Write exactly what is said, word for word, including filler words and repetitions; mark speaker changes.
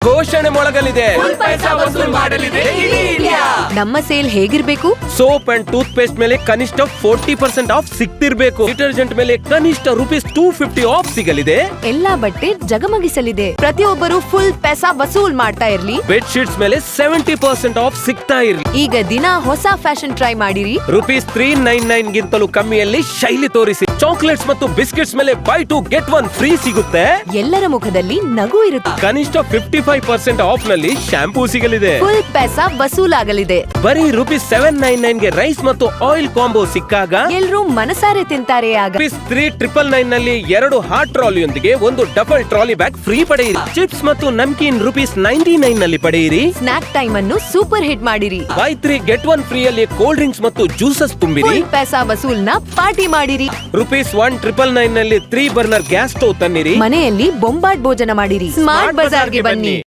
Speaker 1: ಘೋಷಣೆ ಮೊಳಗಲಿದೆ.
Speaker 2: ನಮ್ಮ ಸೇಲ್ ಹೇಗಿರ್ಬೇಕು?
Speaker 1: ಸೋಪ್ ಅಂಡ್ ಟೂತ್ ಪೇಸ್ಟ್ ಮೇಲೆ ಕನಿಷ್ಠ ಫೋರ್ಟಿ ಪರ್ಸೆಂಟ್ ಆಫ್ ಸಿಗ್ತಿರ್ಬೇಕು. ಡಿಟರ್ಜೆಂಟ್ ಮೇಲೆ ಕನಿಷ್ಠ ರುಪೀಸ್ ಟೂ ಫಿಫ್ಟಿ ಆಫ್ ಸಿಗಲಿದೆ.
Speaker 2: ಎಲ್ಲಾ ಬಟ್ಟೆ ಜಗಮಗಿಸಲಿದೆ. ಪ್ರತಿಯೊಬ್ಬರು ಫುಲ್ ಪೈಸಾ ವಸೂಲ್ ಮಾಡ್ತಾ ಇರ್ಲಿ.
Speaker 1: ಬೆಡ್ ಶೀಟ್ಸ್ ಮೇಲೆ ಸೆವೆಂಟಿ ಪರ್ಸೆಂಟ್ ಆಫ್ ಸಿಗ್ತಾ ಇರ್ಲಿ.
Speaker 2: ಈಗ ದಿನ ಹೊಸ ಫ್ಯಾಷನ್ ಟ್ರೈ ಮಾಡಿರಿ.
Speaker 1: ರುಪೀಸ್ ತ್ರೀ ನೈನ್ ನೈನ್ ಗಿಂತಲೂ ಕಮ್ಮಿಯಲ್ಲಿ ಶೈಲಿ ತೋರಿಸಿ. ಚಾಕ್ಲೇಟ್ಸ್ ಮತ್ತು ಬಿಸ್ಕೆಟ್ಸ್ ಮೇಲೆ buy two get one free ಸಿಗುತ್ತೆ.
Speaker 2: ಎಲ್ಲರ ಮುಖದಲ್ಲಿ ನಗು ಇರುತ್ತೆ.
Speaker 1: ಕನಿಷ್ಠ ಫಿಫ್ಟಿ ಫೈವ್ ಪರ್ಸೆಂಟ್ ಆಫ್ ನಲ್ಲಿ ಶಾಂಪೂ ಸಿಗಲಿದೆ.
Speaker 2: ಫುಲ್ ಪೈಸಾ ವಸೂಲಾಗಲಿದೆ.
Speaker 1: ಬರೀ ರುಪೀಸ್ ಸೆವೆನ್ ನೈನ್ ನೈನ್ ಗೆ ರೈಸ್ ಮತ್ತು ಆಯಿಲ್ ಕಾಂಬೋ ಸಿಕ್ಕಾಗ
Speaker 2: ಎಲ್ರೂ ಮನಸಾರೆ ತಿಂತಾರೆ. ಆಗ
Speaker 1: ರುಪೀಸ್ ತ್ರೀ ಟ್ರಿಪಲ್ ನೈನ್ ನಲ್ಲಿ ಎರಡು ಹಾಟ್ ಟ್ರಾಲಿಯೊಂದಿಗೆ ಒಂದು ಡಬಲ್ ಟ್ರಾಲಿ ಬ್ಯಾಗ್ ಫ್ರೀ ಪಡೆಯಿರಿ. ಚಿಪ್ಸ್ ಮತ್ತು ನಮ್ಕೀನ್ ರುಪೀಸ್ ನೈನ್ಟಿ ನೈನ್ ನಲ್ಲಿ ಪಡೆಯಿರಿ.
Speaker 2: ಸ್ನಾಕ್ ಟೈಮ್ ಅನ್ನು ಸೂಪರ್ ಹಿಟ್ ಮಾಡಿರಿ.
Speaker 1: Buy three get one free ಅಲ್ಲಿ ಕೋಲ್ಡ್ ಡ್ರಿಂಕ್ಸ್ ಮತ್ತು ಜ್ಯೂಸಸ್ ತುಂಬಿರಿ.
Speaker 2: ಫುಲ್ ಪೈಸಾ ವಸೂಲ್ ನ ಪಾರ್ಟಿ ಮಾಡಿರಿ.
Speaker 1: ರುಪೀಸ್ ಒನ್ ಟ್ರಿಪಲ್ ನೈನ್ ನಲ್ಲಿ ತ್ರೀ ಬರ್ನರ್ ಗ್ಯಾಸ್ ಸ್ಟೋವ್ ತನ್ನಿರಿ.
Speaker 2: ಮನೆಯಲ್ಲಿ ಬೊಂಬಾಟ್ ಭೋಜನ ಮಾಡಿರಿ. ಸ್ಮಾರ್ಟ್ ಬಜಾರ್ಗೆ ಬನ್ನಿ.